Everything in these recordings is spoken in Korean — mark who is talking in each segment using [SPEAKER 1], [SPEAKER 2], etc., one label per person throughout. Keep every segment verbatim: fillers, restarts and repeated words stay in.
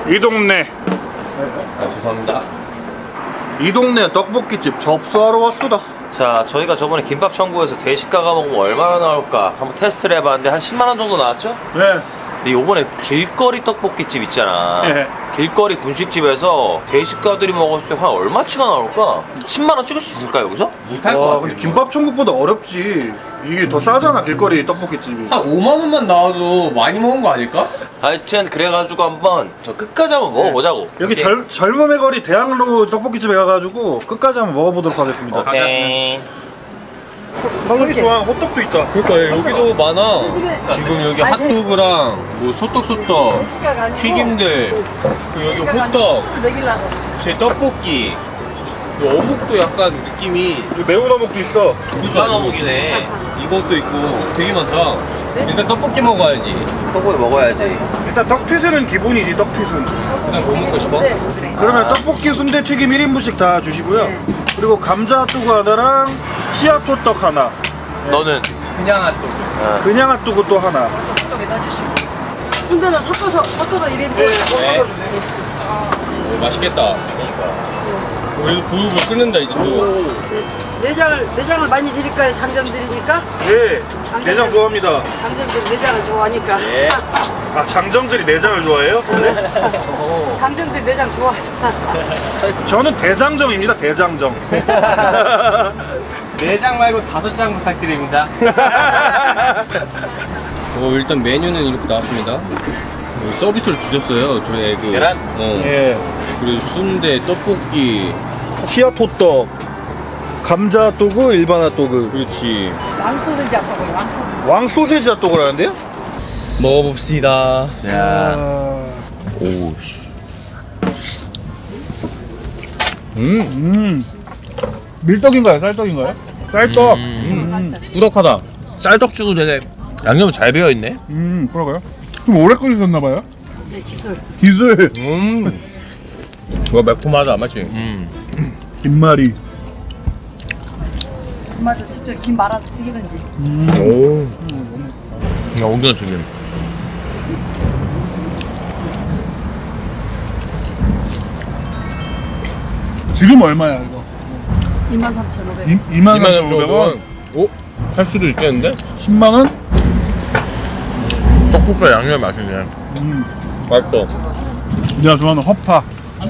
[SPEAKER 1] 이 동네
[SPEAKER 2] 아, 죄송합니다.
[SPEAKER 1] 이 동네 떡볶이집 접수하러 왔수다.
[SPEAKER 2] 자, 저희가 저번에 김밥 천국에서 대식가가 먹으면 얼마나 나올까 한번 테스트를 해봤는데 한 십만 원 정도 나왔죠?
[SPEAKER 1] 네.
[SPEAKER 2] 근데 요번에 길거리 떡볶이집 있잖아.
[SPEAKER 1] 예.
[SPEAKER 2] 길거리 분식집에서 대식가들이 먹었을 때 한 얼마치가 나올까? 십만 원 찍을 수 있을까 여기서?
[SPEAKER 3] 못할 것
[SPEAKER 1] 와
[SPEAKER 3] 같아.
[SPEAKER 1] 근데 김밥 천국보다 어렵지. 이게 더 싸잖아 길거리 떡볶이집이.
[SPEAKER 3] 한 오만 원만 나와도 많이 먹은 거 아닐까?
[SPEAKER 2] 하여튼 그래가지고 한번 저 끝까지 한번 먹어보자고.
[SPEAKER 1] 여기
[SPEAKER 2] 오케이?
[SPEAKER 1] 젊, 젊음의 거리 대학로 떡볶이집에 가가지고 끝까지 한번 먹어보도록 하겠습니다.
[SPEAKER 2] 오케이.
[SPEAKER 1] 형이 좋아하는 호떡도 있다.
[SPEAKER 3] 그러니까 여기도 많아. 지금 여기 핫도그랑 뭐 소떡소떡, 튀김들, 그 여기 호떡, 제 떡볶이, 그 어묵도 약간 느낌이
[SPEAKER 1] 매운 어묵도 있어.
[SPEAKER 2] 부산 어묵이네.
[SPEAKER 3] 이것도 있고 되게 많다. 일단 떡볶이 먹어야지.
[SPEAKER 2] 떡볶이 먹어야지.
[SPEAKER 1] 일단 떡튀순은 기본이지 떡튀순.
[SPEAKER 3] 그냥 뭐 먹고 싶어?
[SPEAKER 1] 그러면 떡볶이 순대 튀김 일 인분씩 다 주시고요. 그리고 감자 핫도그 하나랑 씨앗호떡 하나.
[SPEAKER 2] 너는?
[SPEAKER 3] 그냥 핫도그.
[SPEAKER 1] 그냥 핫도그 또 하나.
[SPEAKER 4] 쪽에다 주시고 순대는 섞어서 섞어서 일 인분
[SPEAKER 3] 네. 오, 맛있겠다. 그러니까. 그래도 부글부글 끓는다 이제 또.
[SPEAKER 4] 내장을 내장을 많이 드릴까요? 장점들이니까
[SPEAKER 1] 네, 내장 좋아합니다.
[SPEAKER 4] 장점들 내장을 좋아하니까
[SPEAKER 2] 네.
[SPEAKER 1] 아 장정들이 내장을 좋아해요? 네.
[SPEAKER 4] 장점들 내장 좋아하잖아.
[SPEAKER 1] 저는 대장정입니다. 대장정.
[SPEAKER 3] 네 장 말고 다섯 장 부탁드립니다. 어, 일단 메뉴는 이렇게 나왔습니다. 어, 서비스를 주셨어요. 저희 그
[SPEAKER 2] 계란?
[SPEAKER 3] 어.
[SPEAKER 1] 예.
[SPEAKER 3] 그리고 순대, 떡볶이.
[SPEAKER 1] 씨앗호떡, 감자 핫도그, 일반 핫도그.
[SPEAKER 3] 그렇지.
[SPEAKER 4] 왕소세지 아까고요. 왕소세지.
[SPEAKER 1] 왕 소세지 핫도그를 하는데요?
[SPEAKER 3] 먹어봅시다.
[SPEAKER 2] 자.
[SPEAKER 1] 아,
[SPEAKER 3] 오 씨. 음,
[SPEAKER 1] 음. 밀떡인가요? 쌀떡인가요? 쌀떡. 음, 음.
[SPEAKER 3] 꾸덕하다.
[SPEAKER 2] 쌀떡주고 되게 양념 잘 배어있네.
[SPEAKER 1] 음, 그러가요? 좀 오래 끓이셨나봐요?
[SPEAKER 4] 네, 기술.
[SPEAKER 1] 기술.
[SPEAKER 3] 음. 이거 매콤하다, 맛이.
[SPEAKER 2] 음.
[SPEAKER 1] 김말이.
[SPEAKER 4] 맞아, 직접 김 말아서 튀기든지.
[SPEAKER 3] 오.
[SPEAKER 2] 야, 옮겨 튀김.
[SPEAKER 1] 지금 얼마야 이거?
[SPEAKER 4] 이만 삼천오백.
[SPEAKER 1] 이만
[SPEAKER 3] 이만
[SPEAKER 1] 삼천오백 원.
[SPEAKER 3] 오? 할 수도 있겠는데?
[SPEAKER 1] 십만 원?
[SPEAKER 2] 떡볶이 양념이 맛있네.
[SPEAKER 1] 음.
[SPEAKER 3] 맛있어.
[SPEAKER 1] 내가 좋아하는 허파.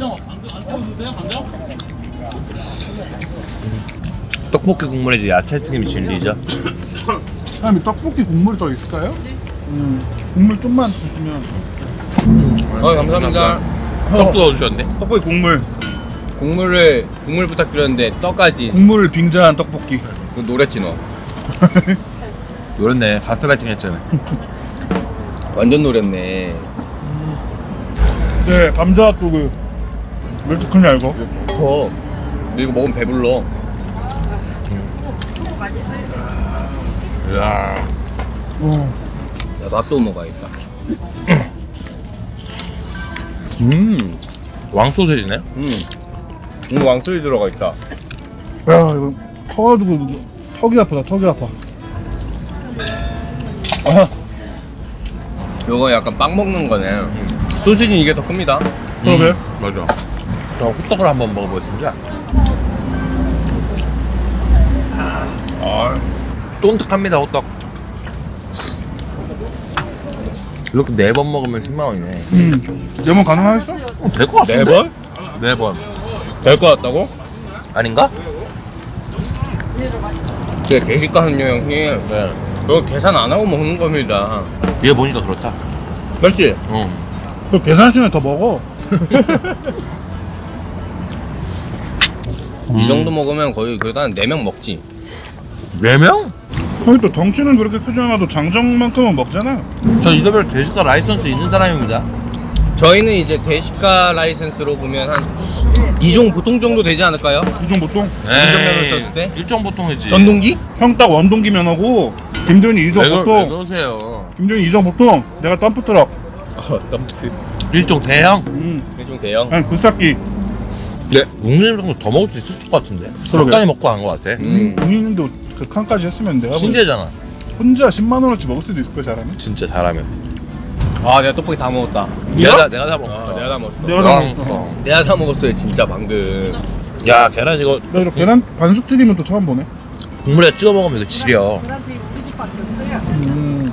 [SPEAKER 2] 떡볶이 국물에 이제 야채 튀김이 진리죠.
[SPEAKER 1] 사장님 떡볶이 국물 더 있을까요? 음. 국물 좀만 주시면.
[SPEAKER 3] 어, 감사합니다.
[SPEAKER 2] 떡도 넣어주셨네.
[SPEAKER 1] 떡볶이 국물.
[SPEAKER 3] 국물을, 국물 부탁드렸는데, 떡까지.
[SPEAKER 1] 국물을 빙자한 떡볶이.
[SPEAKER 3] 그 노랬지, 너.
[SPEAKER 2] 노렸네. 가스라이팅 했잖아.
[SPEAKER 3] 완전 노랬네.
[SPEAKER 1] 네, 감자 핫도그. 왜 이렇게 크냐 이거?
[SPEAKER 3] 더. 너 이거 먹으면 배불러.
[SPEAKER 2] 이야.
[SPEAKER 1] 어.
[SPEAKER 3] 야, 나또 먹어야겠다. 음.
[SPEAKER 2] 왕소세지네.
[SPEAKER 3] 음. 음, 왕소리 들어가 있다.
[SPEAKER 1] 야 이거 커가지고 턱이 아프다. 턱이 아파.
[SPEAKER 3] 아. 요거 약간 빵 먹는 거네. 소시지는 이게 더 큽니다.
[SPEAKER 1] 그러게.
[SPEAKER 2] 맞아. 저 호떡을 한번 먹어보겠습니다. 아, 쫀득합니다 호떡. 이렇게 네 번 먹으면 십만 원이네.
[SPEAKER 1] 음. 네번 가능하겠어?
[SPEAKER 2] 어, 될 것 같은데?
[SPEAKER 3] 네 번?
[SPEAKER 2] 네 번.
[SPEAKER 3] 될 것 같다고?
[SPEAKER 2] 아닌가?
[SPEAKER 3] 네, 대식가 하는요, 형님.
[SPEAKER 2] 네.
[SPEAKER 3] 그거 계산 안 하고 먹는 겁니다.
[SPEAKER 2] 얘 보니까 그렇다.
[SPEAKER 3] 맞지?
[SPEAKER 2] 응.
[SPEAKER 1] 그럼 계산시면 더 먹어.
[SPEAKER 3] 이 정도 먹으면 거의 그래도 한 네 명 먹지.
[SPEAKER 2] 네 명?
[SPEAKER 1] 아니 또 덩치는 그렇게 크지 않아도 장정만큼은 먹잖아.
[SPEAKER 2] 저 이더별 대식가 라이선스 있는 사람입니다.
[SPEAKER 3] 저희는 이제 대식가 라이센스로 보면 한 이 종 보통 정도 되지 않을까요?
[SPEAKER 1] 이종 보통
[SPEAKER 3] 운전면허를 쳤을 때?
[SPEAKER 2] 일종 보통이지.
[SPEAKER 3] 전동기?
[SPEAKER 1] 형 딱 원동기면 하고 김도현이 이종
[SPEAKER 2] 왜, 그- 왜
[SPEAKER 1] 보통.
[SPEAKER 2] 그러세요?
[SPEAKER 1] 김도현이 이종 보통. 내가 덤프트럭.
[SPEAKER 3] 어, 덤트.
[SPEAKER 2] 일종 대형?
[SPEAKER 1] 음.
[SPEAKER 3] 일종 대형.
[SPEAKER 1] 아니 굴삭기.
[SPEAKER 2] 네. 육림 정도 더 먹을 수 있을 것 같은데.
[SPEAKER 1] 그러게.
[SPEAKER 2] 적당히 먹고 간 것 같아.
[SPEAKER 3] 음.
[SPEAKER 1] 본인도 그 칸까지 했으면 내가 뭐
[SPEAKER 2] 신재잖아.
[SPEAKER 1] 혼자 십만 원어치 먹을 수도 있을 거야 잘하면.
[SPEAKER 2] 진짜 잘하면.
[SPEAKER 3] 아 내가 떡볶이 다 먹었다.
[SPEAKER 2] 내가 다, 내가 다 먹었어.
[SPEAKER 3] 아, 내가 다 먹었어.
[SPEAKER 1] 내가 다 먹었어.
[SPEAKER 3] 내가 다 먹었어요 진짜 방금.
[SPEAKER 2] 야 계란 이거
[SPEAKER 1] 나 이거 계란 반숙 튀김은 또 처음 보네.
[SPEAKER 2] 국물에 찍어 먹으면 이거 지려.
[SPEAKER 4] 그다음에 우리 집밖에 없어요.
[SPEAKER 1] 음.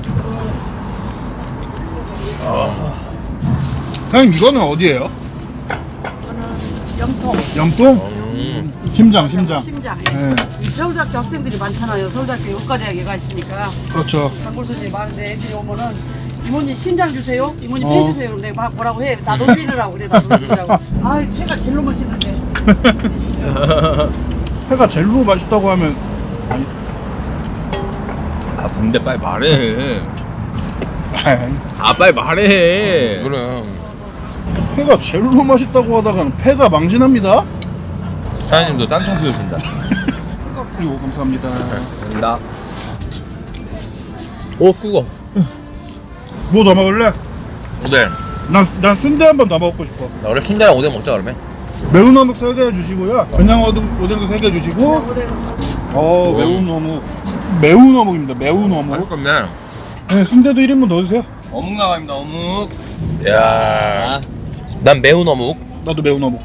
[SPEAKER 1] 사장님 이거는 어디예요?
[SPEAKER 4] 저는 염통,
[SPEAKER 1] 염통?
[SPEAKER 2] 음.
[SPEAKER 1] 심장, 심장.
[SPEAKER 4] 심장.
[SPEAKER 1] 네.
[SPEAKER 4] 서울대학교 학생들이 많잖아요. 서울대학교 의과대학에가 있으니까
[SPEAKER 1] 그렇죠.
[SPEAKER 4] 단골 손님이 많은데 애들이 오면은 이모님 심장 주세요. 이모님
[SPEAKER 1] 어.
[SPEAKER 4] 폐 주세요. 그럼 내가 막 뭐라고 해. 나도 드리라고 그래. 나도 드리라고. 아, 폐가 제일 맛있는데.
[SPEAKER 1] 회가 젤로 맛있다고 하면 아니,
[SPEAKER 3] 아 근데 빨리 말해.
[SPEAKER 1] 아니,
[SPEAKER 3] 아 빨리 말해.
[SPEAKER 2] 그래.
[SPEAKER 1] 회가 젤로 맛있다고 하다가는 회가 망신합니다.
[SPEAKER 2] 사장님도 딴청 피우신다.
[SPEAKER 1] 그리고 감사합니다.
[SPEAKER 3] 된다. 오 그거.
[SPEAKER 1] 뭐 더 먹을래?
[SPEAKER 2] 오뎅.
[SPEAKER 1] 난, 난 순대 한 번 더 먹고 싶어.
[SPEAKER 2] 나 원래 순대랑 오뎅 먹자 그러면.
[SPEAKER 1] 매운 어묵 세 개 주시고요. 그냥 어묵, 오뎅도 세 개 주시고.
[SPEAKER 4] 오뎅.
[SPEAKER 1] 어, 매운 어묵. 매운 어묵입니다. 매운 어묵.
[SPEAKER 2] 맛있겠네.
[SPEAKER 1] 네, 순대도 일 인분 넣어주세요.
[SPEAKER 3] 어묵 나갑니다 어묵.
[SPEAKER 2] 야. 난 매운 어묵.
[SPEAKER 1] 나도 매운 어묵.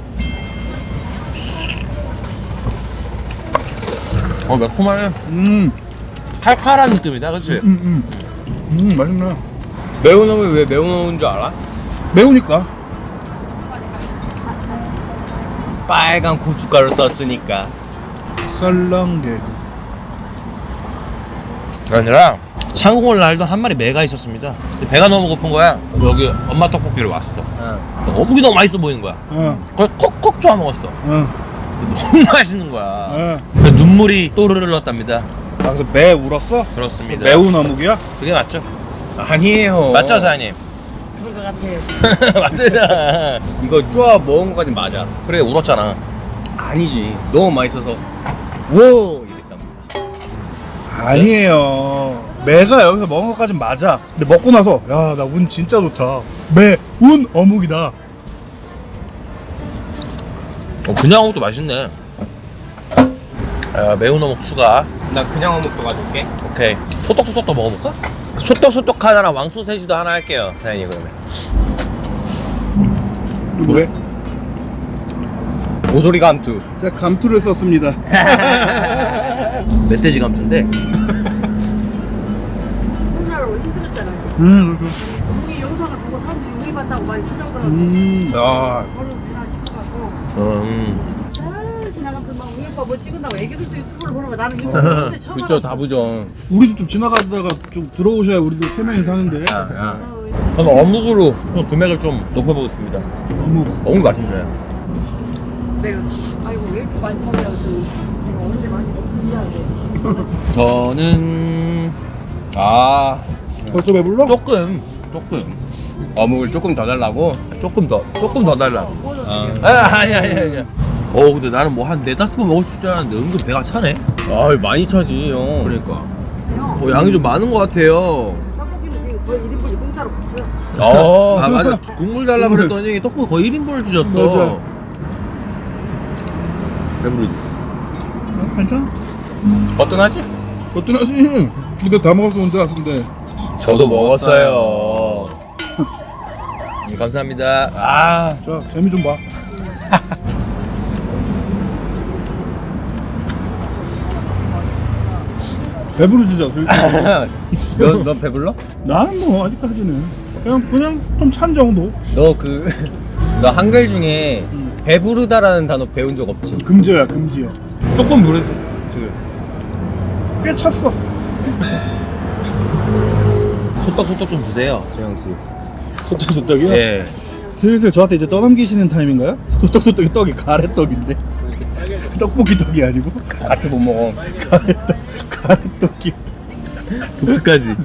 [SPEAKER 2] 어 매콤하네.
[SPEAKER 1] 음,
[SPEAKER 2] 칼칼한 느낌이다, 그렇지?
[SPEAKER 1] 음, 음. 음, 맛있네.
[SPEAKER 3] 매운 어묵이 왜 매운 어묵인 줄 알아?
[SPEAKER 1] 매우니까.
[SPEAKER 3] 빨간 고춧가루 썼으니까.
[SPEAKER 1] 썰렁개구.
[SPEAKER 2] 아니라 창공을 날던 한 마리 매가 있었습니다. 배가 너무 고픈 거야. 여기 엄마 떡볶이를 왔어.
[SPEAKER 3] 응.
[SPEAKER 2] 어묵이 너무 맛있어 보이는 거야.
[SPEAKER 1] 어,
[SPEAKER 2] 그걸 콕콕 쪼아 먹었어.
[SPEAKER 1] 어,
[SPEAKER 2] 너무 맛있는 거야.
[SPEAKER 1] 어.
[SPEAKER 2] 그 눈물이 또르르 흘렀답니다.
[SPEAKER 1] 아, 그래서 매 울었어?
[SPEAKER 2] 그렇습니다.
[SPEAKER 1] 매운 어묵이야?
[SPEAKER 2] 그게 맞죠?
[SPEAKER 3] 아니에요.
[SPEAKER 2] 맞죠, 사장님?
[SPEAKER 4] 그럴 것 같아요.
[SPEAKER 2] 맞잖아.
[SPEAKER 3] 이거 쪼아 먹은 것까지 맞아.
[SPEAKER 2] 그래 울었잖아.
[SPEAKER 3] 아니지. 너무 맛있어서. 워 이랬답니다.
[SPEAKER 1] 아니에요. 매가 여기서 먹은 것까진 맞아. 근데 먹고 나서 야, 나 운 진짜 좋다. 매, 운 어묵이다.
[SPEAKER 2] 어, 그냥 어묵도 맛있네. 야, 매운 어묵 추가.
[SPEAKER 3] 나 그냥 어묵도 가져올게.
[SPEAKER 2] 오케이. 소떡소떡도 먹어볼까? 소떡소떡 하나랑 왕소세지도 하나 할게요, 사장님 그러면.
[SPEAKER 1] 왜?
[SPEAKER 3] 모서리 감투.
[SPEAKER 1] 제가 감투를 썼습니다.
[SPEAKER 2] 멧돼지 감투인데.
[SPEAKER 4] 코로나로 힘들었잖아요.
[SPEAKER 1] 음, 그렇죠.
[SPEAKER 4] 우리 영상을 보고 사람들이 우리 봤다고 많이 찾아오더라고요.
[SPEAKER 1] 음.
[SPEAKER 3] 아.
[SPEAKER 4] 바로 그날 시켜갖고
[SPEAKER 2] 음.
[SPEAKER 4] 잘 지나가면서 막 우리 오빠 뭐 찍은다고 애기들도 유튜브를 보는 거 나는 유튜브 보는데 처음
[SPEAKER 3] 그쵸
[SPEAKER 4] 알았어.
[SPEAKER 3] 다부정.
[SPEAKER 1] 우리도 좀 지나가다가 좀 들어오셔야 우리도 세 명이 사는데.
[SPEAKER 3] 야, 야.
[SPEAKER 4] 어,
[SPEAKER 2] 저는 어묵으로 좀 금액을 좀 높여보겠습니다.
[SPEAKER 1] 어묵.
[SPEAKER 2] 어묵 맛있네.
[SPEAKER 4] 내가 아이고 왜 이렇게 많이 먹냐고 했더니 제가 언제 많이 먹습니다.
[SPEAKER 3] 저는 아
[SPEAKER 1] 벌써 배불러?
[SPEAKER 2] 조금, 조금,
[SPEAKER 3] 어묵을 조금 더 달라고.
[SPEAKER 2] 조금 더, 조금 더 달라.
[SPEAKER 3] 아,
[SPEAKER 2] 아, 아니, 아니, 아니. 어, 근데 나는 뭐 한 네다섯 번 먹을 수 있지 않았는데 은근 배가 차네.
[SPEAKER 3] 아 많이 차지 형.
[SPEAKER 2] 그러니까. 어, 양이 좀 많은 것 같아요.
[SPEAKER 4] 떡볶이는 지금 거의 일 인분이 공짜로 갔어요.
[SPEAKER 3] 어.
[SPEAKER 2] 아, 맞아. 국물 달라 그랬더니 떡볶이 거의 일 인분을 주셨어.
[SPEAKER 1] 맞아.
[SPEAKER 2] 배부르지?
[SPEAKER 1] 어, 괜찮아?
[SPEAKER 3] 거뜬하지?
[SPEAKER 1] 거뜬하지. 근데 다 먹었어 혼자 근데.
[SPEAKER 3] 저도 먹었어요.
[SPEAKER 2] 음, 감사합니다.
[SPEAKER 3] 아.
[SPEAKER 1] 자, 재미 좀 봐. 배부르시죠?
[SPEAKER 3] 너, 너 배불러?
[SPEAKER 1] 나는 뭐 아직까지는 그냥 그냥 좀 찬 정도.
[SPEAKER 3] 너 그, 너 한글 중에 배부르다라는 단어 배운 적 없지?
[SPEAKER 1] 금지어야 금지어.
[SPEAKER 2] 조금 무르지, 지금.
[SPEAKER 1] 꽤 찼어.
[SPEAKER 2] 소떡소떡 좀 주세요, 재영씨.
[SPEAKER 1] 소떡소떡이요?
[SPEAKER 2] 예.
[SPEAKER 1] 슬슬 저한테 이제 떠넘기시는 타임인가요? 소떡소떡이 떡이 가래떡인데 떡볶이 떡이 아니고
[SPEAKER 3] 같이 못 먹어.
[SPEAKER 1] 가래떡 가래떡이.
[SPEAKER 2] 독특하지?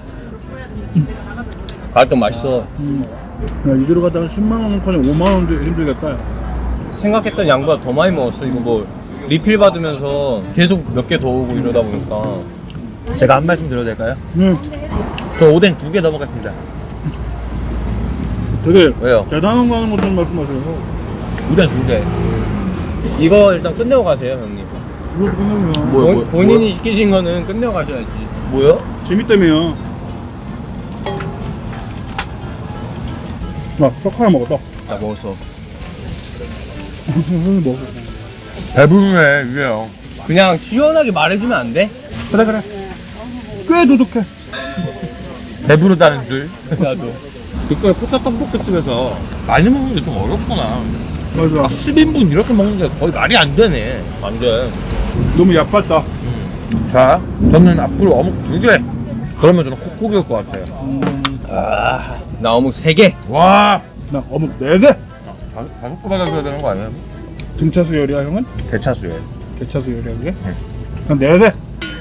[SPEAKER 3] 가끔 맛있어.
[SPEAKER 1] 음. 야, 이대로 가다가 십만 원커녕 오만 원 힘들겠다.
[SPEAKER 3] 생각했던 양보다 더 많이 먹었어. 이거 뭐 리필 받으면서 계속 몇 개 더 오고 이러다 보니까.
[SPEAKER 2] 제가 한 말씀 드려도 될까요?
[SPEAKER 1] 네.
[SPEAKER 2] 저 오뎅 두 개 더 먹겠습니다.
[SPEAKER 1] 되게
[SPEAKER 2] 왜요?
[SPEAKER 1] 대단한 거 하는 것좀 말씀하세요.
[SPEAKER 2] 오뎅 두 개.
[SPEAKER 3] 이거 일단 끝내고 가세요, 형님.
[SPEAKER 1] 이것도 끝내면
[SPEAKER 2] 뭐야,
[SPEAKER 3] 본-
[SPEAKER 2] 뭐야,
[SPEAKER 3] 본인이 시키신 거는 끝내고 가셔야지.
[SPEAKER 2] 뭐요?
[SPEAKER 1] 재밌다며요. 나 떡 하나 먹었다.
[SPEAKER 3] 나 먹었어.
[SPEAKER 1] 먹어.
[SPEAKER 2] 배부르네 이게 형.
[SPEAKER 3] 그냥 시원하게 말해주면 안 돼?
[SPEAKER 1] 그래 그래. 꽤 도둑해.
[SPEAKER 2] 배부르다는 줄.
[SPEAKER 3] 나도.
[SPEAKER 2] 그거 포차 떡볶이집에서 많이 먹는 게 좀 어렵구나.
[SPEAKER 1] 맞아.
[SPEAKER 2] 아, 십 인분 이렇게 먹는 게 거의 말이 안 되네.
[SPEAKER 3] 안 돼.
[SPEAKER 1] 너무 얕봤다.
[SPEAKER 2] 자, 저는 앞으로 어묵 두 개. 그러면 저는 콕콕이 올 것 같아요.
[SPEAKER 3] 아, 나 어묵 세 개.
[SPEAKER 2] 와,
[SPEAKER 1] 나 어묵 네 개.
[SPEAKER 2] 다섯, 다섯 개 받아줘야 되는 거 아니에요?
[SPEAKER 1] 등차 수열이야 형은?
[SPEAKER 2] 대차수에.
[SPEAKER 1] 개차 수열이야 그게? 난 네 개.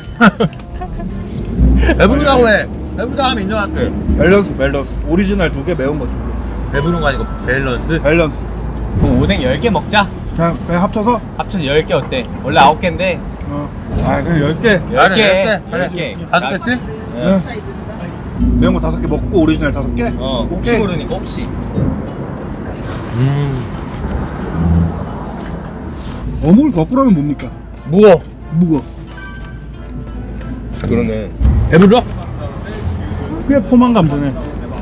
[SPEAKER 2] 배부르다고 해. 배부르다 하면 인정할게.
[SPEAKER 1] 밸런스 밸런스. 오리지널 두 개, 매운 거 두 개.
[SPEAKER 2] 배부른 거 아니고 밸런스.
[SPEAKER 1] 밸런스.
[SPEAKER 3] 그럼 오뎅 열 개 먹자.
[SPEAKER 1] 그냥 그냥 합쳐서.
[SPEAKER 3] 합쳐서 열 개 어때? 원래 아홉 개인데
[SPEAKER 1] 어. 아 그냥 열 개.
[SPEAKER 3] 열 개.
[SPEAKER 2] 열
[SPEAKER 3] 열
[SPEAKER 2] 개.
[SPEAKER 3] 개.
[SPEAKER 2] 다섯 개씩?
[SPEAKER 1] 응. 매운 거 다섯 개 먹고 오리지널 다섯 개.
[SPEAKER 3] 어, 혹시
[SPEAKER 1] 오케이.
[SPEAKER 3] 모르니까 혹시.
[SPEAKER 2] 음.
[SPEAKER 1] 어묵을 거꾸로 하면 뭡니까?
[SPEAKER 2] 무거.
[SPEAKER 1] 무거.
[SPEAKER 3] 그러네.
[SPEAKER 2] 배불러?
[SPEAKER 1] 꽤 포만감 드네.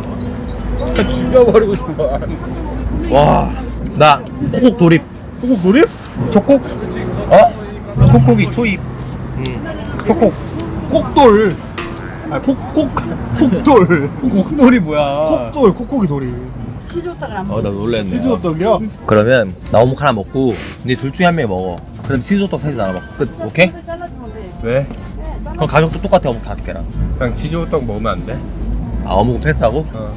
[SPEAKER 2] 죽여버리고 싶어. 와, 나 콕콕 돌입.
[SPEAKER 1] 꼭 돌입?
[SPEAKER 3] 초콕?
[SPEAKER 2] 어?
[SPEAKER 3] 콕콕이 초입.
[SPEAKER 2] 음.
[SPEAKER 3] 초콕.
[SPEAKER 1] 꼭돌. 아 콕콕 콕돌.
[SPEAKER 3] 콕돌이 뭐야?
[SPEAKER 1] 콕돌 콕콕이 돌이.
[SPEAKER 4] 치즈오다가 안
[SPEAKER 2] 어, 나 놀랬네.
[SPEAKER 1] 치즈호떡이야?
[SPEAKER 2] 그러면 나 어묵 하나 먹고 네 둘 중에 한 명이 먹어. 그럼 치즈호떡 셋이 나눠 먹고 끝. 오케이?
[SPEAKER 4] 먹어. 잘라주면 돼.
[SPEAKER 3] 왜?
[SPEAKER 2] 그럼 가격도 똑같아. 어묵 다섯 개랑.
[SPEAKER 3] 그냥 치즈호떡 먹으면 안 돼?
[SPEAKER 2] 아, 어묵은 패스하고?
[SPEAKER 3] 어.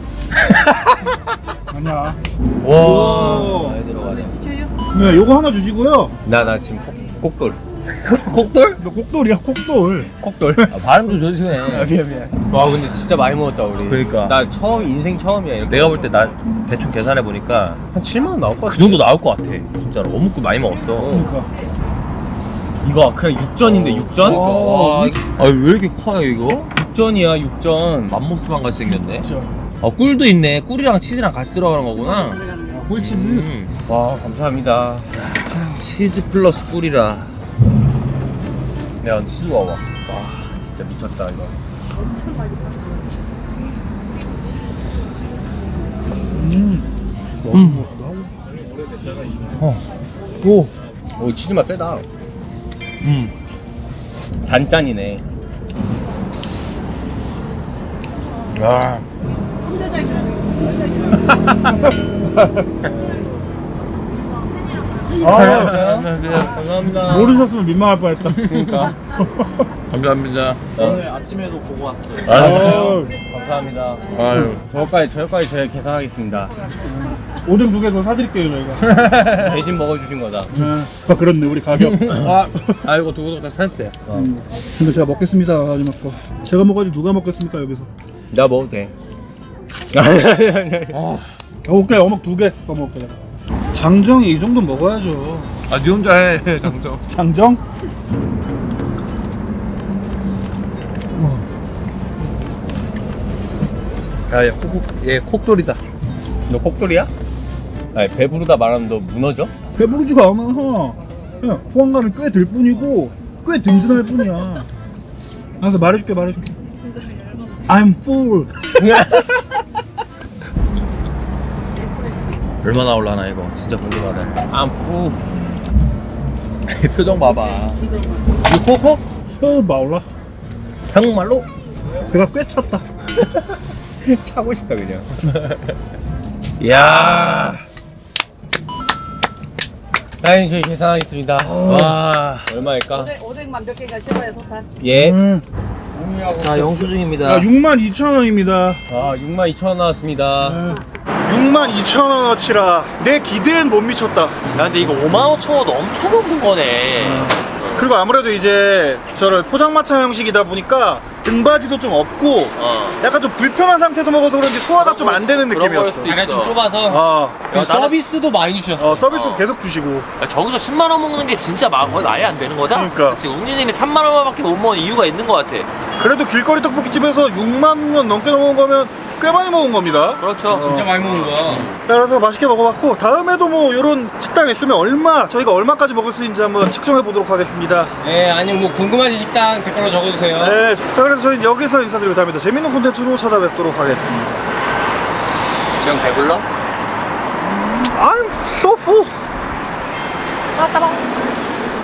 [SPEAKER 1] 아니야.
[SPEAKER 2] 와, 많이 들어가네.
[SPEAKER 1] 네, 요거 하나 주시고요.
[SPEAKER 3] 나, 나 지금 콕, 콕돌.
[SPEAKER 2] 콕돌?
[SPEAKER 1] 너 꼭돌이야 콕돌.
[SPEAKER 3] 콕돌.
[SPEAKER 2] 아, 발음 좀 조심해.
[SPEAKER 3] 미안, 미안. 와, 근데 진짜 많이 먹었다, 우리.
[SPEAKER 2] 그러니까.
[SPEAKER 3] 나 처음, 인생 처음이야, 이렇게.
[SPEAKER 2] 내가 볼 때 나 대충 계산해 보니까
[SPEAKER 3] 한 칠만 원 나올 것 같아.
[SPEAKER 2] 그 정도 나올 것 같아. 진짜로 어묵도 많이 먹었어.
[SPEAKER 1] 그러니까.
[SPEAKER 3] 이거 그냥 육전인데, 육전?
[SPEAKER 2] 와, 아, 왜 이렇게 커요 이거?
[SPEAKER 3] 육전이야, 육전.
[SPEAKER 2] 맘모스만 같이 생겼네.
[SPEAKER 1] 진짜.
[SPEAKER 2] 아, 꿀도 있네. 꿀이랑 치즈랑 같이 들어가는 거구나.
[SPEAKER 1] 꿀치즈.
[SPEAKER 2] 음.
[SPEAKER 3] 와, 감사합니다.
[SPEAKER 2] 치즈 플러스 꿀이라.
[SPEAKER 3] 내가 치즈 와봐. 와, 진짜 미쳤다, 이거.
[SPEAKER 1] 음.
[SPEAKER 2] 어. 오.
[SPEAKER 3] 오, 치즈 맛 세다.
[SPEAKER 2] 음.
[SPEAKER 3] 단짠이네.
[SPEAKER 2] 아.
[SPEAKER 1] 아,
[SPEAKER 2] 안녕하세요.
[SPEAKER 3] 감사합니다.
[SPEAKER 1] 모르셨으면 민망할 뻔했다.
[SPEAKER 3] 그러니까.
[SPEAKER 2] 감사합니다.
[SPEAKER 3] 오늘 아침에도 보고 왔어요.
[SPEAKER 1] 아,
[SPEAKER 3] 감사합니다.
[SPEAKER 2] 아유.
[SPEAKER 3] 저까지, 저까지 저희 계산하겠습니다.
[SPEAKER 1] 오뎅 두 개 더 사드릴게요 저희가.
[SPEAKER 3] 대신 먹어주신 거다.
[SPEAKER 1] 네. 아 그렇네 우리 가격.
[SPEAKER 2] 아, 아이고 두고 다 샀어요.
[SPEAKER 1] 음. 근데 제가 먹겠습니다 마지막 거. 제가 먹어야지 누가 먹겠습니까 여기서.
[SPEAKER 3] 나 먹어도 돼.
[SPEAKER 1] 아, 오케이 어묵 두 개 더 먹을게. 장정이 이 정도 먹어야죠.
[SPEAKER 2] 아, 니 혼자 해, 장정.
[SPEAKER 1] 장정?
[SPEAKER 2] 야, 얘 콕, 얘 콕돌이다.
[SPEAKER 3] 너 콕돌이야? 아니, 배부르다 말하면 너 무너져?
[SPEAKER 1] 배부르지가 않아. 그냥 포만감이 꽤 들 뿐이고 꽤 든든할 뿐이야. 알았어 말해줄게 말해줄게. I'm full.
[SPEAKER 2] 얼마나 올라나 이거 진짜 궁금하다.
[SPEAKER 3] 안 뿌.
[SPEAKER 2] 표정 봐봐.
[SPEAKER 3] 이거 코코?
[SPEAKER 1] 처음 마올라.
[SPEAKER 2] 정말로?
[SPEAKER 1] 배가 꽤 찼다.
[SPEAKER 3] 차고 싶다, 그냥.
[SPEAKER 2] 야.
[SPEAKER 3] 아니, 저희 계산하겠습니다.
[SPEAKER 2] 와.
[SPEAKER 3] 얼마일까?
[SPEAKER 4] 오뎅, 오뎅만 몇 개가 씹어야 도탄.
[SPEAKER 3] 예.
[SPEAKER 1] 음.
[SPEAKER 2] 자, 영수증입니다.
[SPEAKER 1] 야, 육만 이천 원입니다.
[SPEAKER 3] 아, 육만 이천 원 나왔습니다.
[SPEAKER 1] 육만 이천 원어치라 내 기대엔 못 미쳤다.
[SPEAKER 2] 야, 근데 이거 오만 오천 원 엄청 먹는 거네.
[SPEAKER 1] 그리고 아무래도 이제 저를 포장마차 형식이다 보니까 등받이도 좀 없고
[SPEAKER 2] 어.
[SPEAKER 1] 약간 좀 불편한 상태에서 먹어서 그런지 소화가 좀 안 되는
[SPEAKER 2] 그런 걸
[SPEAKER 1] 느낌이었어.
[SPEAKER 2] 수도
[SPEAKER 3] 자리가 좀
[SPEAKER 2] 있어.
[SPEAKER 3] 좁아서.
[SPEAKER 1] 아,
[SPEAKER 3] 그리고
[SPEAKER 2] 야, 나는-
[SPEAKER 3] 서비스도 많이 주셨어.
[SPEAKER 1] 어, 서비스
[SPEAKER 2] 어.
[SPEAKER 1] 계속 주시고.
[SPEAKER 2] 야, 저기서 십만 원 먹는 게 진짜 막 거의 말이 안 되는 거다?
[SPEAKER 1] 그러니까.
[SPEAKER 2] 지금 웅리님이 삼만 원밖에 못 먹는 이유가 있는 것 같아.
[SPEAKER 1] 그래도 길거리 떡볶이집에서 육만 원 넘게 먹은 거면 꽤 많이 먹은 겁니다.
[SPEAKER 2] 그렇죠.
[SPEAKER 3] 진짜 많이 먹은 거야.
[SPEAKER 1] 그래서 맛있게 먹어봤고 다음에도 뭐 이런 식당 있으면 얼마 저희가 얼마까지 먹을 수 있는지 한번 측정해 보도록 하겠습니다.
[SPEAKER 3] 네, 아니면 뭐 궁금하신 식당 댓글로 적어주세요.
[SPEAKER 1] 네, 자, 그래서 저희는 여기서 인사드리고 다음에 더 재밌는 콘텐츠로 찾아뵙도록 하겠습니다.
[SPEAKER 3] 지금 배불러?
[SPEAKER 1] I'm so full.
[SPEAKER 4] 나왔다 봐.